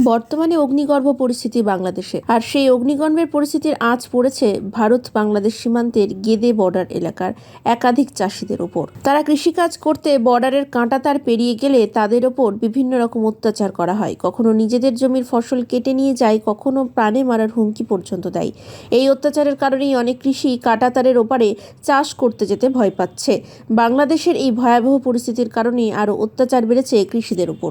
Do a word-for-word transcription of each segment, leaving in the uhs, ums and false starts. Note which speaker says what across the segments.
Speaker 1: বর্তমানে অগ্নিগর্ভ পরিস্থিতি বাংলাদেশে, আর সেই অগ্নিগর্ভের পরিস্থিতির আঁচ পড়েছে ভারত বাংলাদেশ সীমান্তের গেদে বর্ডার এলাকার একাধিক চাষিদের ওপর। তারা কৃষিকাজ করতে বর্ডারের কাঁটাতার পেরিয়ে গেলে তাদের ওপর বিভিন্ন রকম অত্যাচার করা হয়। কখনো নিজেদের জমির ফসল কেটে নিয়ে যায়, কখনো প্রাণে মারার হুমকি পর্যন্ত দেয়। এই অত্যাচারের কারণেই অনেক কৃষি কাঁটাতারের ওপারে চাষ করতে যেতে ভয় পাচ্ছে। বাংলাদেশের এই ভয়াবহ পরিস্থিতির কারণে আরও অত্যাচার বেড়েছে কৃষিদের উপর।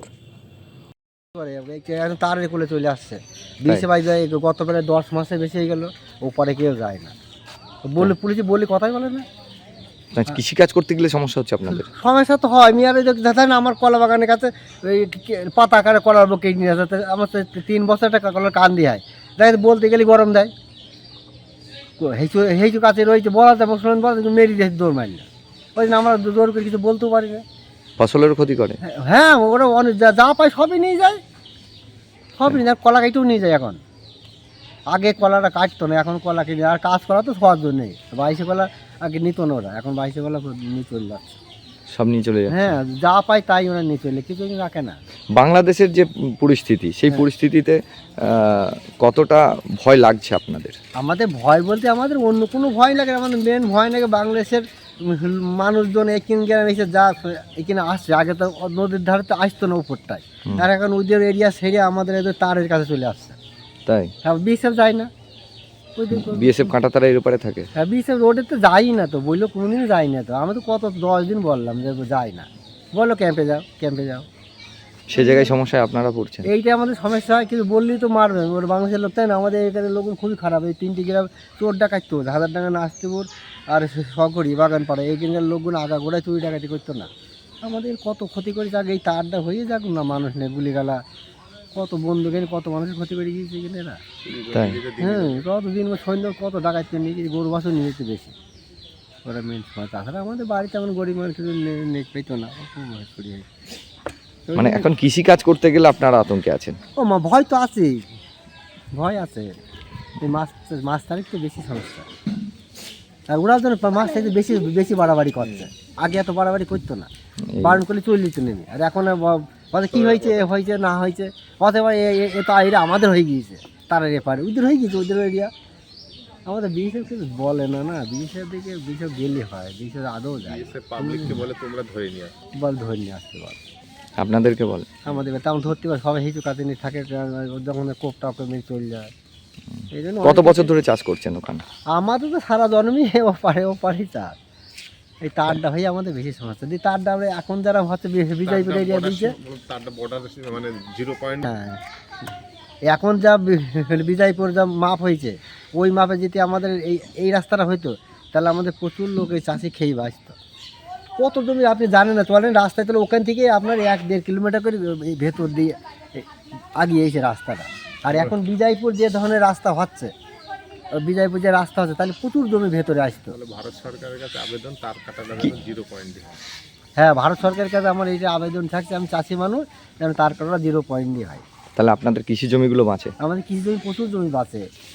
Speaker 2: তারের কোলে চলে আসছে বিশে বাইশ যায়, গত প্রায় দশ মাসে বেশি হয়ে গেল, ওপারে কেউ যায় না। বলে পুলিশে বলি কথাই বলে না।
Speaker 3: কৃষিকাজ করতে গেলে সমস্যা হচ্ছে আপনাদের?
Speaker 2: সমস্যা তো হয়। আমি আর দেখা না, আমার কলা বাগানের কাছে ওই পাতা আকারে কলার বুকে নিয়ে যাতে আমার তো তিন বছর টাকা কলার কান দিয়ে হয়, দেখা বলতে গেলে গরম দেয়। হেঁচু হেঁচু কাছে রয়েছে, বলা যায় মুসলমান বলা মেরি দিয়ে দৌড় মারি না, ওই জন্য আমরা জোর করে কিছু বলতেও পারি না।
Speaker 3: ফসলের ক্ষতি করে?
Speaker 2: হ্যাঁ, ওরা অনেক যা যা পায় সবই নিয়ে যায়, সবই নিয়ে যায়। কলা কেটেও নিয়ে যায় এখন। আগে কলাটা কাটতো না, এখন কলা কিনে। আর কাজ করা তো সহজ নেই। বাইশে কলা আগে নিত না ওরা, এখন বাইশে কলা নিয়ে চলে যাচ্ছে,
Speaker 3: সব নিয়ে চলে যায়।
Speaker 2: হ্যাঁ, যা পায় তাই ওরা নিয়ে চলে, কিছু রাখে না।
Speaker 3: বাংলাদেশের যে পরিস্থিতি, সেই পরিস্থিতিতে কতটা ভয় লাগছে আপনাদের?
Speaker 2: আমাদের ভয় বলতে আমাদের অন্য কোনো ভয় লাগে, আমাদের মেন ভয় লাগে বাংলাদেশের মানুষজন এখানে গ্রামে এসে যা এখানে আসছে। আগে তো নদীর ধারে তো আসতো না উপরটায়, আর এখন ওদের এরিয়া সেরে আমাদের এদের তারের কাছে চলে আসছে।
Speaker 3: তাই?
Speaker 2: হ্যাঁ, বিএসএফ যায় না,
Speaker 3: বিএসএফ কাঁটাতারা এর উপরে থাকে।
Speaker 2: হ্যাঁ, বিএসএফ রোডে তো যাই না, তো বললো কোনোদিনই যাই না। তো আমি তো কত দশ দিন বললাম যে যাই না, বললো ক্যাম্পে যাও, ক্যাম্পে যাও।
Speaker 3: সে জায়গায় সমস্যায় আপনারা পড়ছেন?
Speaker 2: এইটা আমাদের সমস্যা হয়, কিন্তু বললেই তো মারবে ওর বাংলাদেশের লোক, তাই না? আমাদের এখানে লোক খুবই খারাপ। এই তিনটি গ্রাম চোর ডাকাইতো, হাজার টাকা নাচতেপুর আর সকরি বাগান পাড়া, এইখানকার লোকগুলো আগা গোড়ায় চুরি ডাকাতি করতো না। আমাদের কত ক্ষতি করে যাক, এই তারটা হয়ে যাক না, মানুষ নেই গুলিগালা, কত বন্ধু গেলে কত মানুষের ক্ষতি করে গিয়েছে এখানে এরা।
Speaker 3: তাই?
Speaker 2: হ্যাঁ, কত দিন সৈন্য কত ডাকাত করে নিয়ে গিয়েছে, গরু বাছুর নিয়ে যেতে বেশি ওরা মেন সময়। তাছাড়া আমাদের বাড়িতে এমন গরিব মানুষ নেট পেতো না, খুব ভয় করি।
Speaker 3: মানে এখন কৃষি কাজ করতে গেলে আপনারা আতঙ্কে আছেন?
Speaker 2: ও মা, ভয় তো আছেই, ভয় আছে। এই মাছ মাছ তারিখ তো বেশি সমস্যা, আর ওরা যেন মাছ থেকে বেশি বেশি বাড়াবাড়ি করছে। আগে এত বাড়াবাড়ি করতো না, বারণ করলে চলে যেত নেমে। আর এখন বলে কী হয়েছে, হয়েছে না হয়েছে, অথবা এ তো এরা আমাদের হয়ে গিয়েছে, তারা এপারে ওদের হয়ে গিয়েছে, ওদের এরিয়া। আমাদের বিএসএফ কিছু বলে না, না বিএসএফ দিকে বিএসএফ গেলে হয়, বিএসএফ আদৌ যায়,
Speaker 4: বলে তোমরা ধরে নিয়ে
Speaker 2: বল ধরে নিয়ে আসতে বল।
Speaker 3: আপনাদেরকে বলে? আমাদের
Speaker 2: তেমন ধরতে পারে, সবাই হিচু কাছে নিয়ে থাকে, যখন কোপ টাপ মেরে চলে যায়। এই জন্য
Speaker 3: কত বছর ধরে চাষ করছেন ওখানে? আমাদের
Speaker 2: তো সারা জন্মই ও পারে ও পারে চাষ। এই তারটা হয়ে আমাদের বেশি সমস্যা। দিয়ে তারটা আমরা এখন যারা হচ্ছে বিজয়পুর এরিয়া দিচ্ছে,
Speaker 4: মানে জিরো পয়েন্ট,
Speaker 2: হ্যাঁ, এখন যা বিজয়পুর যা মাপ হয়েছে, ওই মাপে যদি আমাদের এই এই রাস্তাটা হইতো, তাহলে আমাদের প্রচুর লোক এই চাষি খেয়ে বাঁচত। কত জমি আপনি জানেন না, চলেন রাস্তায়, তাহলে ওখান থেকে আপনার এক দেড় কিলোমিটার করে এই ভেতর দিয়ে আগিয়ে এসে রাস্তাটা। আর এখন বিজয়পুর যে ধরনের রাস্তা হচ্ছে, বিজয়পুর যে রাস্তা হচ্ছে, তাহলে প্রচুর জমি ভেতরে আসতো।
Speaker 4: ভারত সরকারের কাছে আবেদন, তার কাটা জিরো পয়েন্ট।
Speaker 2: হ্যাঁ, ভারত সরকারের কাছে আমার এইটা আবেদন থাকছে, আমি চাষি মানুষ, যেন তার কাটা জিরো পয়েন্ট দিয়ে হয়।
Speaker 3: তাহলে আপনাদের কৃষি জমিগুলো বাঁচে?
Speaker 2: আমাদের কৃষি জমি প্রচুর জমি বাঁচে।